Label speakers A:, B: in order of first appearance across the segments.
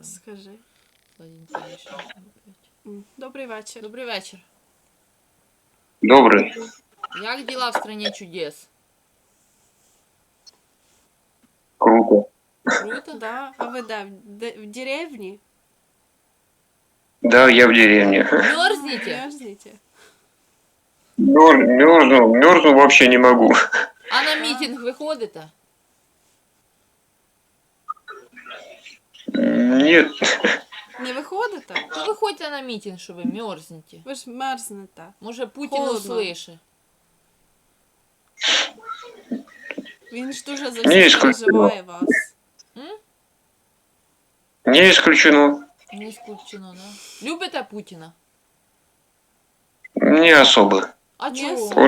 A: Скажи.
B: Information опять.
A: Добрий вечір.
B: Добрий вечір.
C: Добрый.
B: Як діла в стране чудес?
C: Круто.
B: Круто?
A: Да? А ви де? В деревні?
C: Да, я в деревне.
B: Мерзнете?
A: Мерзнете?
C: Мерзну вообще не могу.
B: А на мітинг ви ходите?
C: Нет.
A: Не виходите?
B: То виходьте на мітинг, що ви мерзнете.
A: Ви ж мерзнете.
B: Може Путін
A: Холодно.
B: услише.
A: Він ж дуже за
C: Ні,
A: всіх
C: исключено.
A: переживає вас.
C: Не исключено.
B: Не скупчено, да? Любите Путіна?
C: Не особо.
B: А
A: Ні,
B: чого?
A: особо.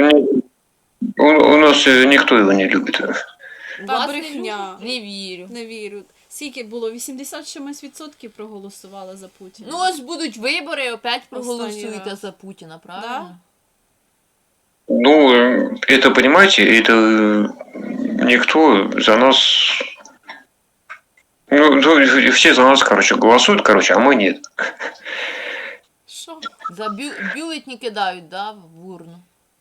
C: У нас никто его не любит.
B: У
A: Та
B: вас
A: брехня.
B: Не вірю.
A: Не вірю. Скільки було? 80 чимось відсотків проголосували за Путіна.
B: Ну ось будуть вибори, опять проголосуєте
A: раз.
B: за Путіна, правильно?
C: Ну, это, понимаете, это никто за нас... Ну, все за нас, короче, голосуют, короче, а мы нет.
A: Що?
B: За бюлетні кидають, да, в урну.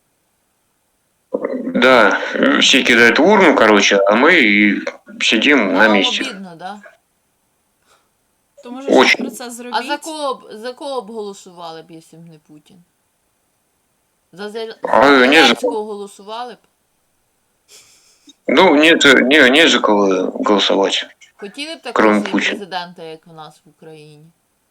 C: Да, все кидают в урну, короче, а мы и сидим на
B: Вам
C: месте.
B: обідно, да?
A: То може щось
C: Очень.
A: про це зробіть?
B: А за кого б голосували б, якщо б не Путін? За
C: А, ні, за
B: Зеленського голосували б?
C: Ну, не за кого голосовать.
B: Хотіли б
C: Кроме
B: такого
C: Путіна.
B: президента, як у нас в Україні?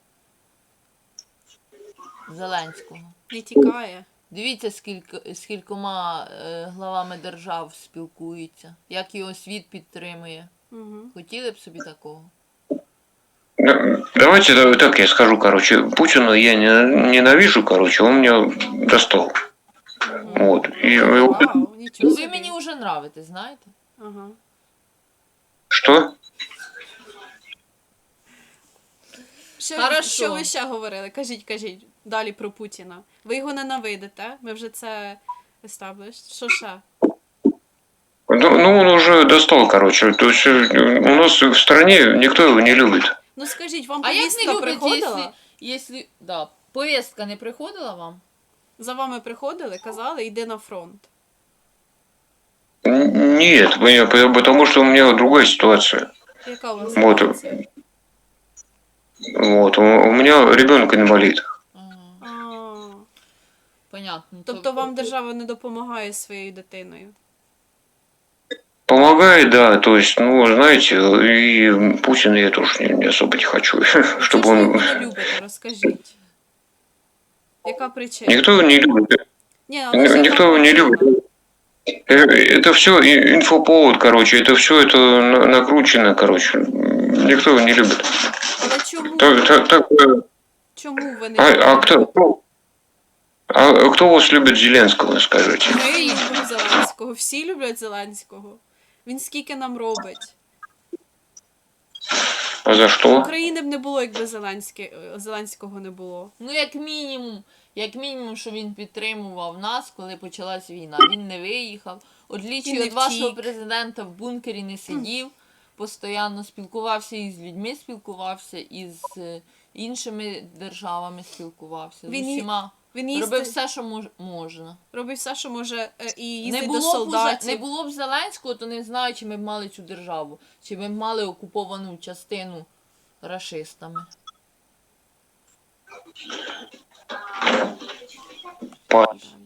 B: Зеленського.
A: Не тікає.
B: Дивіться, скількома главами держав спілкується, як його світ підтримує.
A: Угу.
B: Хотіли б собі такого?
C: Ну, давайте так я скажу, короче, Путина я ненавижу, короче, он меня достал. Вот.
A: Вау,
B: Ну,
A: нічого
B: ви
A: собі.
B: мені вже нравитесь, знаєте?
A: Ага.
C: Что?
B: Хорошо.
A: Що ви ще говорили? Кажіть. Далі про Путіна. Ви його ненавидите? Ми вже це established. Що ще?
C: Ну, он уже достал, короче. То есть у нас в стране никто его не любит.
A: Ну скажіть, вам
B: А як не
A: повістка
B: любите,
A: приходила?
B: якщо... Да, повістка не приходила вам?
A: За вами приходили, казали, йди на фронт.
C: Нет, потому что у меня другая ситуация.
A: Яка у вас
C: Вот.
A: ситуація?
C: Вот. У меня ребенок инвалид.
B: Ага,
A: А,
B: понятно.
A: тобто вам держава не допомагає зі своєю дитиною?
C: Помогает, да, то есть, ну, знаете, и Путина я тоже не особо не хочу,
A: Чого
C: чтобы
A: ж ви його
C: он...
A: не любите, розкажіть. Яка причина?
C: Никто его не любит.
A: Ні, але ж
C: Никто
A: яка
C: его не
A: причина?
C: любит. Это все инфоповод, короче, это все это накручено, короче. Никто его не любит.
A: Але чому? Чому ви не
C: А
A: любите?
C: кто вас любит Зеленского, скажите?
A: Ми любимо Зеленського, всі люблять Зеленського. Він скільки нам робить.
C: А за что?
A: України б не було, якби Зеленського не було.
B: Ну, як мінімум, що він підтримував нас, коли почалась війна. Він не виїхав.
A: Він
B: Отлічі
A: не
B: від вашого
A: втік.
B: президента в бункері не сидів, постійно спілкувався із людьми, спілкувався із іншими державами, спілкувався. З
A: Він
B: усіма.
A: Він
B: Робив все, що можна.
A: робив все, що може, і
B: Не
A: їздить до
B: було, б
A: солдатів.
B: не було б Зеленського, то не знаю, чи ми б мали цю державу. Чи ми б мали окуповану частину рашистами.
C: Па-